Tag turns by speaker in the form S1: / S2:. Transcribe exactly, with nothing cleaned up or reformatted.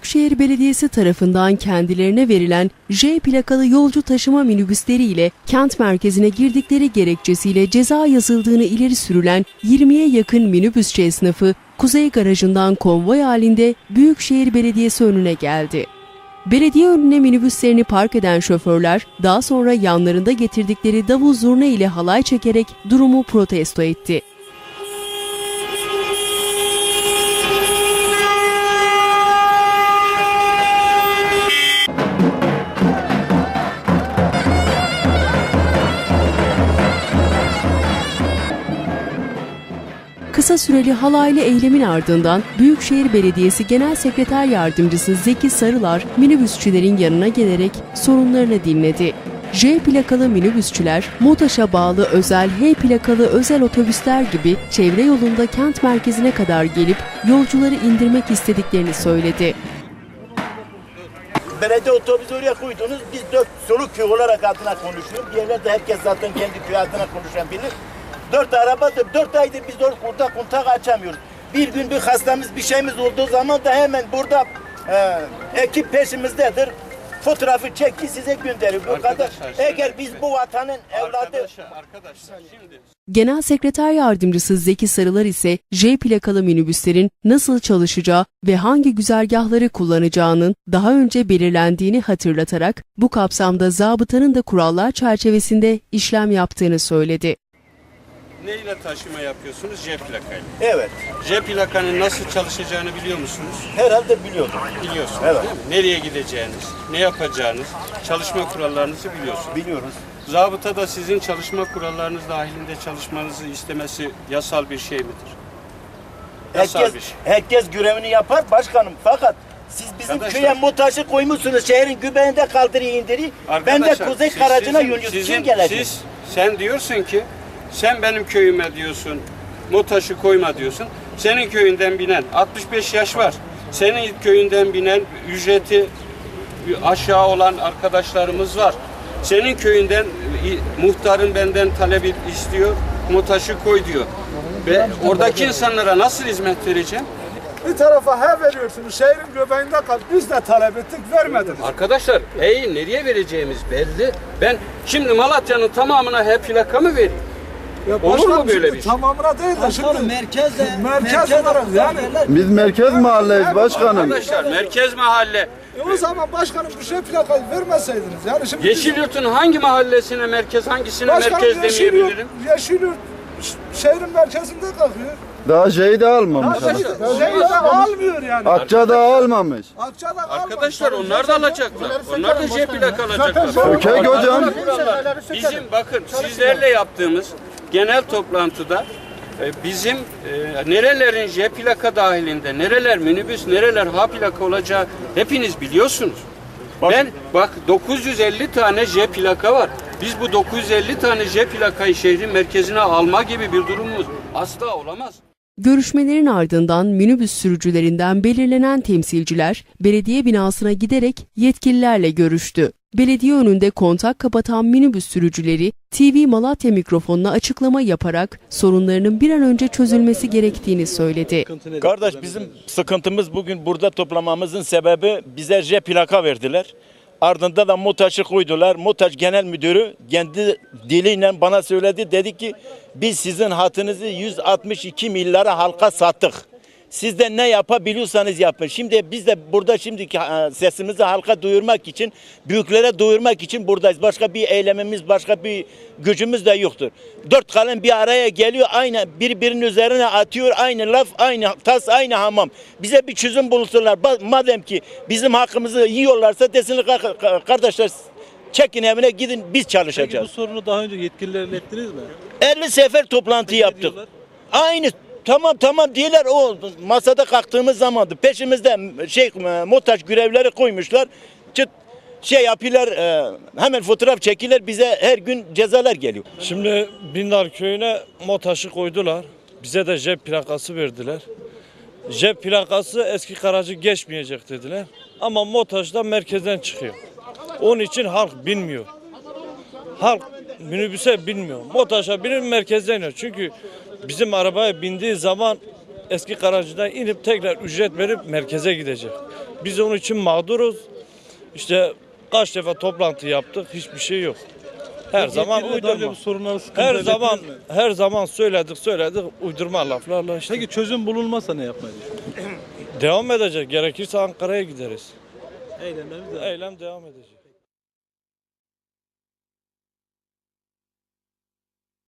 S1: Büyükşehir Belediyesi tarafından kendilerine verilen J plakalı yolcu taşıma minibüsleri ile kent merkezine girdikleri gerekçesiyle ceza yazıldığını ileri sürülen yirmiye yakın minibüsçü esnafı Kuzey Garajı'ndan konvoy halinde Büyükşehir Belediyesi önüne geldi. Belediye önüne minibüslerini park eden şoförler daha sonra yanlarında getirdikleri davul zurna ile halay çekerek durumu protesto etti. Kısa süreli halaylı eylemin ardından Büyükşehir Belediyesi Genel Sekreter Yardımcısı Zeki Sarılar minibüsçülerin yanına gelerek sorunlarını dinledi. J plakalı minibüsçüler, MOTAŞ'a bağlı özel H plakalı özel otobüsler gibi çevre yolunda kent merkezine kadar gelip yolcuları indirmek istediklerini söyledi.
S2: Belediye otobüsü oraya koydunuz, biz dört soluk köy olarak adına konuşuyoruz. Diğerler de herkes zaten kendi köy adına konuşan bilir. Dört arabadır, dört aydır biz orada kontak açamıyoruz. Bir gün bir hastamız, bir şeyimiz olduğu zaman da hemen burada e, ekip peşimizdedir. Fotoğrafı çekti size gönderir. Bu kadar. Eğer biz bu vatanın evladı...
S3: Arkadaşlar, arkadaşlar şimdi...
S1: Genel Sekreter Yardımcısı Zeki Sarılar ise J plakalı minibüslerin nasıl çalışacağı ve hangi güzergahları kullanacağının daha önce belirlendiğini hatırlatarak bu kapsamda zabıtanın da kurallar çerçevesinde işlem yaptığını söyledi.
S3: Ne ile taşıma yapıyorsunuz? J plakayla.
S2: Evet.
S3: J plakanın nasıl çalışacağını biliyor musunuz?
S2: Herhalde biliyordum.
S3: Biliyorsunuz
S2: Evet.
S3: değil mi? Nereye gideceğiniz, ne yapacağınız, çalışma kurallarınızı biliyorsunuz.
S2: Biliyoruz.
S3: Zabıta da sizin çalışma kurallarınız dahilinde çalışmanızı istemesi yasal bir şey midir? Yasal
S2: Herkes,
S3: bir şey.
S2: herkes görevini yapar başkanım. Fakat siz bizim
S3: Arkadaşlar,
S2: köye MOTAŞ'ı koymuşsunuz. Şehrin göbeğinde kaldırıyı indiri. Ben de
S3: Arkadaşlar,
S2: Kuzey
S3: siz-
S2: Karacı'na
S3: sizin-
S2: yöneliyorum.
S3: sizin-
S2: Kim gelecek?
S3: Siz, sen diyorsun ki, sen benim köyüme diyorsun, MOTAŞ'ı koyma diyorsun. Senin köyünden binen altmış beş yaş var. Senin köyünden binen ücreti aşağı olan arkadaşlarımız var. Senin köyünden muhtarın benden talebi istiyor, MOTAŞ'ı koy diyor. Ve oradaki insanlara nasıl hizmet vereceğim?
S4: Bir tarafa he veriyorsunuz, şehrin göbeğinde kal. Biz de talep ettik, vermediniz.
S3: Arkadaşlar, hey nereye vereceğimiz belli. Ben şimdi Malatya'nın tamamına H plaka mı vereyim?
S4: Ya
S3: Olur mu böyle
S4: şimdi
S3: bir şey?
S4: Tamamına değil de şimdi
S5: merkezde
S4: merkez olarak yani.
S6: Biz merkez mahalleyiz başkanım.
S3: Arkadaşlar merkez mahalle.
S4: E o zaman başkanım bu şey plakayı vermeseydiniz. Yani şimdi
S3: Yeşilyurt'un hangi mahallesine merkez, hangisine
S4: başkanım
S3: merkez
S4: Yeşilyurt,
S3: demeyebilirim?
S4: Yeşilyurt şehrin merkezinde kalkıyor.
S6: Daha şeyi de almamış.
S4: Şey, şey de almıyor yani.
S6: Akça'da almamış.
S4: Akça'da
S3: Arkadaşlar onlar da alacaklar. Onlar da J plaka alacaklar.
S6: Ökey hocam.
S3: Bizim bakın sizlerle yaptığımız genel toplantıda e, bizim e, nerelerin J plaka dahilinde, nereler minibüs, nereler H plaka olacağı hepiniz biliyorsunuz. Ben bak dokuz yüz elli tane J plaka var. Biz bu dokuz yüz elli tane J plakayı şehrin merkezine alma gibi bir durumumuz asla olamaz.
S1: Görüşmelerin ardından minibüs sürücülerinden belirlenen temsilciler belediye binasına giderek yetkililerle görüştü. Belediye önünde kontak kapatan minibüs sürücüleri T V Malatya mikrofonuna açıklama yaparak sorunlarının bir an önce çözülmesi gerektiğini söyledi.
S2: Kardeş bizim sıkıntımız bugün burada toplamamızın sebebi bize J plaka verdiler. Ardında da MOTAŞ'ı koydular. MOTAŞ Genel Müdürü kendi diliyle bana söyledi. Dedi ki biz sizin hatınızı yüz altmış iki milyara halka sattık. Siz de ne yapabiliyorsanız yapın. Şimdi biz de burada şimdiki sesimizi halka duyurmak için, büyüklere duyurmak için buradayız. Başka bir eylemimiz, başka bir gücümüz de yoktur. Dört kalem bir araya geliyor, aynı birbirinin üzerine atıyor, aynı laf, aynı tas, aynı hamam. Bize bir çözüm bulsunlar. Madem ki bizim hakkımızı yiyorlarsa desinler kardeşler çekin evine gidin biz çalışacağız.
S5: Peki bu sorunu daha önce yetkililerle ilettiniz mi?
S2: elli sefer toplantı
S5: Peki
S2: yaptık.
S5: diyorlar?
S2: Aynı tamam tamam diyorlar o masada kalktığımız zamandı. Peşimizde şey MOTAŞ görevleri koymuşlar. Çıt şey yapıyorlar e, hemen fotoğraf çekiler bize her gün cezalar geliyor.
S7: Şimdi Bindar köyüne MOTAŞ'ı koydular. Bize de J plakası verdiler. J plakası eski Karacı geçmeyecek dediler. Ama MOTAŞ da merkezden çıkıyor. Onun için halk bilmiyor. Halk minibüse binmiyor. MOTAŞ'a binip merkezden iniyor. Çünkü bizim arabaya bindiği zaman eski Karaca'dan inip tekrar ücret verip merkeze gidecek. Biz onun için mağduruz. İşte kaç defa toplantı yaptık, hiçbir şey yok. Her zaman
S5: Yetkililer daha önce
S7: uydurma.
S5: bu sorunları sıkıntı
S7: Her zaman
S5: ilettiniz mi?
S7: her zaman söyledik söyledik uydurma laflarla işte.
S5: Peki çözüm bulunmazsa ne yapmayı düşünüyorsunuz?
S7: Devam edecek. Gerekirse Ankara'ya gideriz.
S5: Eylemlerimiz devam.
S7: Eylem devam edecek.